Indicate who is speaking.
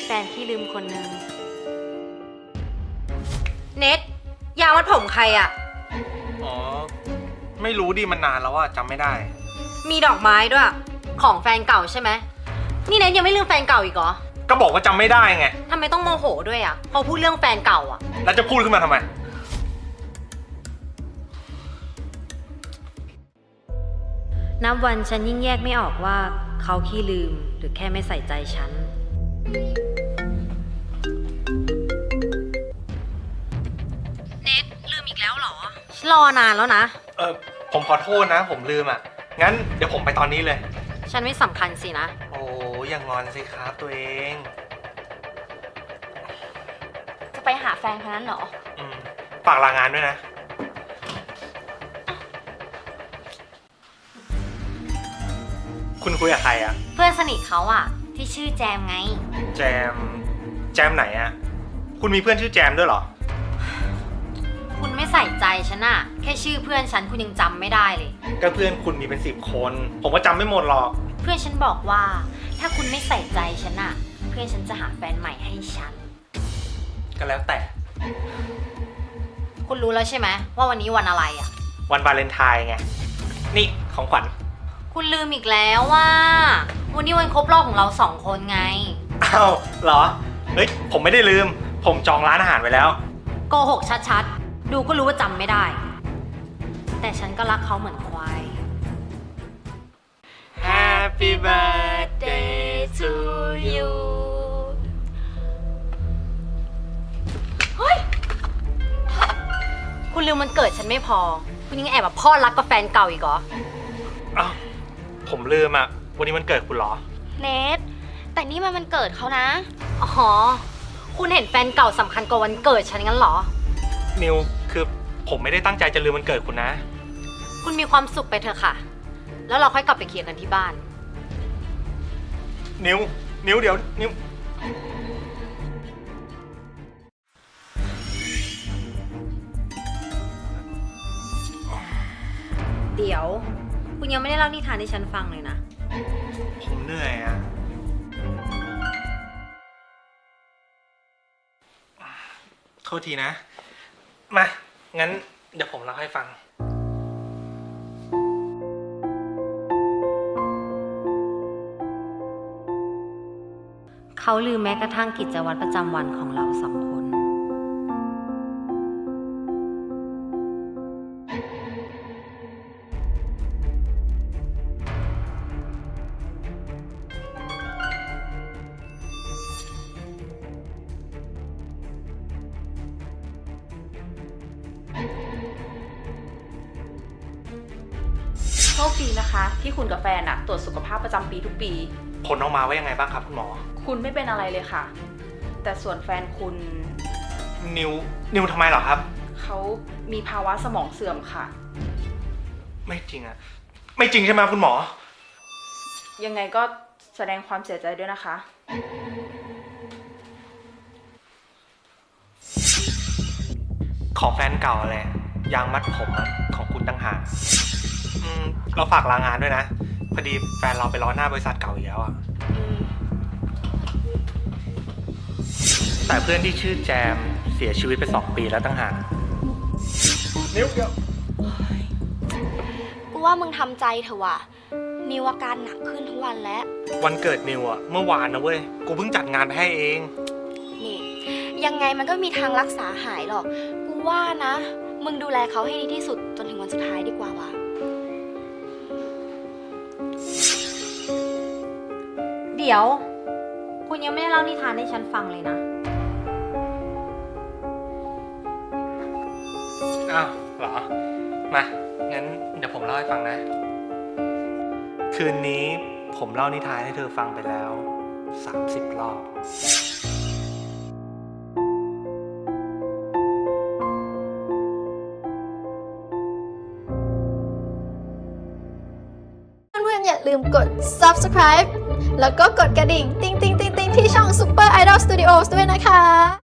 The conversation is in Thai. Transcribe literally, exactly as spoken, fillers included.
Speaker 1: ฟนที่ลืมคนนึงเน็ตยางมัดผมใครอะ
Speaker 2: อ๋อไม่รู้ดิมันนานแล้วอะจำไม่ได้
Speaker 1: มีดอกไม้ด้วยของแฟนเก่าใช่ไหมนี่เน็ตยังไม่ลืมแฟนเก่าอีกเหรอ
Speaker 2: ก็บอกว่าจำไม่ได้ไง
Speaker 1: ทำไมต้องโมโหด้วยอะพอพูดเรื่องแฟนเก่าอะ
Speaker 2: แล้วจะพูดขึ้นมาทำไม
Speaker 1: นับวันฉันยิ่งแยกไม่ออกว่าเขาขี้ลืมหรือแค่ไม่ใส่ใจฉันเน็ตลืมอีกแล้วเหรอฉันรอนานแล้วนะ
Speaker 2: เออผมขอโทษนะผมลืมอ่ะงั้นเดี๋ยวผมไปตอนนี้เลย
Speaker 1: ฉันไม่สำคัญสินะ
Speaker 2: โอ้อย่างงอนสิครับตัวเอง
Speaker 3: จะไปหาแฟนคนนั้นเหรอ
Speaker 2: อืมฝากลางานด้วยนะคุณคุยกับใครอะ
Speaker 1: เพื่อนสนิทเขาอะที่ชื่อแจมไง
Speaker 2: แจมแจมไหนอะคุณมีเพื่อนชื่อแจมด้วยเหรอ
Speaker 1: คุณไม่ใส่ใจฉันอะแค่ชื่อเพื่อนฉันคุณยังจำไม่ได้เลย
Speaker 2: ก็เพื่อนคุณมีเป็นสิบคนผมก็จำไม่หมดหรอก
Speaker 1: เพื่อนฉันบอกว่าถ้าคุณไม่ใส่ใจฉันอะเพื่อนฉันจะหาแฟนใหม่ให้ฉัน
Speaker 2: ก็แล้วแต่
Speaker 1: คุณรู้แล้วใช่ไหมว่าวันนี้วันอะไรอะ
Speaker 2: วันวาเลนไทน์ไงนี่ของขวัญ
Speaker 1: คุณลืมอีกแล้วว่าวันนี้วันครบรอบของเราสองคนไง
Speaker 2: อ้าวเหรอเฮ้ยผมไม่ได้ลืมผมจองร้านอาหารไว้แล้ว
Speaker 1: โกหกชัดๆดูก็รู้ว่าจำไม่ได้แต่ฉันก็รักเขาเหมือนควาย
Speaker 2: Happy birthday to you
Speaker 1: เฮ้ยคุณลืมมันเกิดฉันไม่พอคุณยังแอบแบบพ่อรักกับแฟนเก่าอีกเหรอ
Speaker 2: อ้าวผมลืมอ่ะวันนี้มันเกิดคุณเหรอ
Speaker 3: เนทแต่นี่มันมันเกิดเขานะ
Speaker 1: อ๋อคุณเห็นแฟนเก่าสำคัญกว่าวันเกิดฉันงั้นเหรอ
Speaker 2: นิวคือผมไม่ได้ตั้งใจจะลืมวันเกิดคุณนะ
Speaker 1: คุณมีความสุขไปเถอะค่ะแล้วเราค่อยกลับไปเคลียร์กันที่บ้าน
Speaker 2: นิวนิวเดี๋ยวนิว
Speaker 1: เดี๋ยวคุณยังไม่ได้เล่านิทานให้ฉันฟังเลยนะ
Speaker 2: ผมเหนื่อยอะโทษทีนะมางั้นเดี๋ยวผมเล่าให้ฟัง
Speaker 1: เขาลืมแม้กระทั่งกิจวัตรประจำวันของเราสองคน
Speaker 4: โชคดีนะคะที่คุณกับแฟนอะตรวจสุขภาพประจำปีทุกปี
Speaker 2: ผลออกมาว่ายังไงบ้างครับคุณหมอ
Speaker 4: คุณไม่เป็นอะไรเลยค่ะแต่ส่วนแฟนคุณ
Speaker 2: นิวนิวทำไมเหรอครับ
Speaker 4: เขามีภาวะสมองเสื่อมค่ะ
Speaker 2: ไม่จริงอะไม่จริงใช่ไหมคุณหมอ
Speaker 4: ยังไงก็แสดงความเสียใจด้วยนะคะ
Speaker 2: ของแฟนเก่าอะไรยางมัดผมของคุณตั้งหากเราฝากลางานด้วยนะพอดีแฟนเราไปรอหน้าบริษัทเก่าอีกแล้วอ่ะแต่เพื่อนที่ชื่อแจมเสียชีวิตไปสองปีแล้วตั้งหากนิ้วเดียว
Speaker 3: กูว่ามึงทำใจเถอะว่ะนิวอาการหนักขึ้นทุกวันแล้ว
Speaker 2: วันเกิดนิวอ่ะเมื่อวานนะเว้ยกูเพิ่งจัดงานไปให้เอง
Speaker 3: นี่ยังไงมันก็มีทางรักษาหายหรอกกูว่านะมึงดูแลเขาให้ดีที่สุดจนถึงวันสุดท้ายดีกว่าว่ะ
Speaker 1: เดี๋ยวคุณยังไม่ได้เล่านิทานให้ฉันฟังเลยนะ
Speaker 2: อ้าวเหรอมางั้นเดี๋ยวผมเล่าให้ฟังนะคืนนี้ผมเล่านิทานให้เธอฟังไปแล้วสามสิบรอบ
Speaker 5: อย่าลืมกด ซับสไครบ์ แล้วก็กดกระดิ่ง ติ๊งติ๊งติ๊งติ๊งที่ช่อง Super Idol Studios ด้วยนะคะ